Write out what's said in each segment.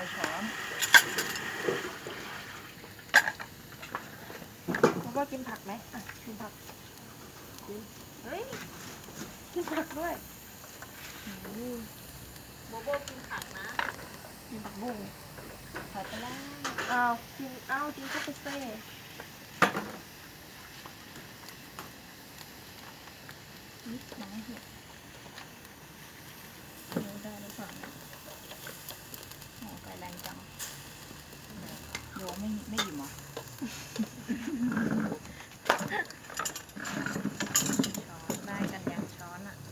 ช้อนแล้วก็กินผักไหมอ่ะกินผักกินเฮ้ยกินผักด้วยโบโบกินผักนะกินผักบุ้งผักไปแล้วกินข้าวเฟ่นิดน้อยเห็ดดูได้หรือเปล่าโอ้ไฟแรงจังโยไม่หยิบหรอช้อนได้กันยังช้อนอ่ะ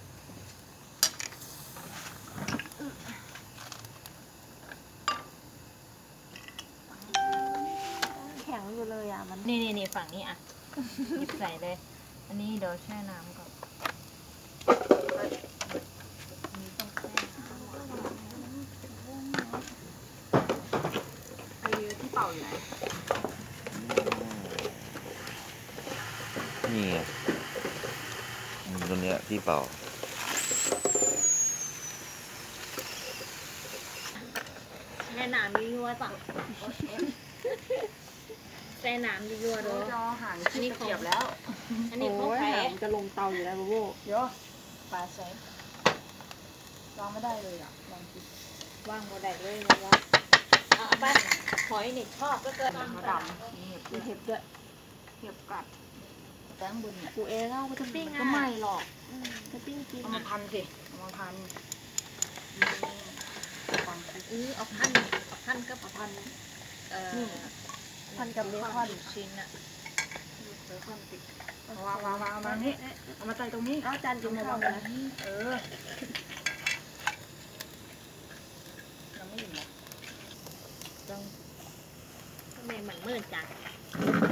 แข็งอยู่เลยอ่ะมันนี่ฝั่งนี้อ่ะหยิบใส่เลย อันนี้เดี๋ยวแช่น้ำก่อนมีต้องแช่น้ำไอ้ที่เป่าอยู่ไหนนี่ไงตัวเนี้ยที่เป่าแช่น้ำดียั่วจ้ะแช่น้ำดียั่วด้วยจอหางที่ตะเกียบแล้วอันนี้เขาแพ้จะลงเตาอยู่แล้วโบโบเดี๋ยวปลาใส่วางไม่ได้เลยอ่ะลองกินว่างโมได้เลยนะวะเอาไปหอยนี่ชอบก็เกินมาดำมีเห็บด้วยเห็บกัดแตงบุญเนี่ยกูเองเอาไปจะปิ้งก็ไม่หรอกจะปิ้งกินเอามาพันสิเอามาพันเอาพันก็พันพันกับเบคอนชิ้นอะเบคอนติดวางเอามานี่เอามาใส่ตรงนี้เอาจานกินข้าวนะเราไม่หยิบหรอต้องทำไมเหมือนมืดจัง